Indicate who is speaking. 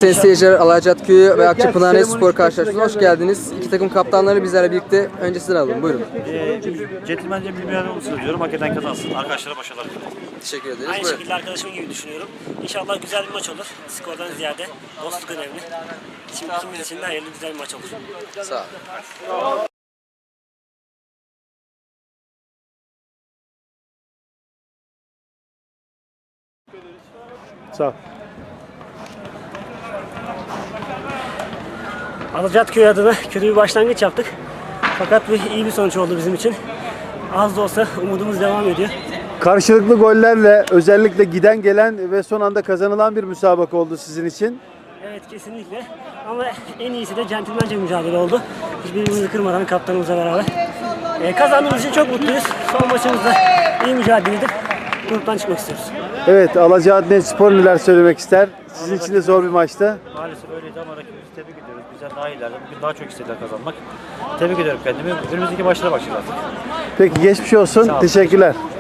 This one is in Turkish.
Speaker 1: Sayın seyirciler, Alacat Köyü ve Akçapınar Spor karşılaşmasına hoş geldiniz. İki takım kaptanları bizlerle birlikte. Önce sizden alalım. Buyurun.
Speaker 2: Centilmence bir mücadele söylüyorum. Hak eden kazansın. Arkadaşlara başarılar dilerim.
Speaker 1: Teşekkür ederiz.
Speaker 3: Aynı
Speaker 1: Buyurun.
Speaker 3: şekilde arkadaşım gibi düşünüyorum. İnşallah güzel bir maç olur. Skordan ziyade dostluk önemli. Şimdi ikimiz için de hayırlı güzel bir maç olur.
Speaker 1: Sağ olun.
Speaker 4: Sağ ol.
Speaker 3: Alacatköy adına kötü bir başlangıç yaptık. Fakat iyi bir sonuç oldu bizim için. Az da olsa umudumuz devam ediyor.
Speaker 4: Karşılıklı gollerle özellikle giden gelen ve son anda kazanılan bir müsabaka oldu sizin için.
Speaker 3: Evet, kesinlikle. Ama en iyisi de centilmence mücadele oldu. Hiçbirimizi kırmadan kaptanımızla beraber. Kazandığımız için çok mutluyuz. Son maçımızda iyi mücadele edip gruptan çıkmak istiyoruz.
Speaker 4: Evet, Alacadnet Spor neler söylemek ister? Sizin için de zor bir maçtı.
Speaker 2: Maalesef öyleydi ama rakibimizi tebrik ediyoruz. Bizden daha iyilerdi. Bugün daha çok istediler kazanmak. Tebrik ediyorum kendimi. Önümüzdeki maçlara başlayacağız artık.
Speaker 4: Peki geçmiş olsun. Teşekkürler.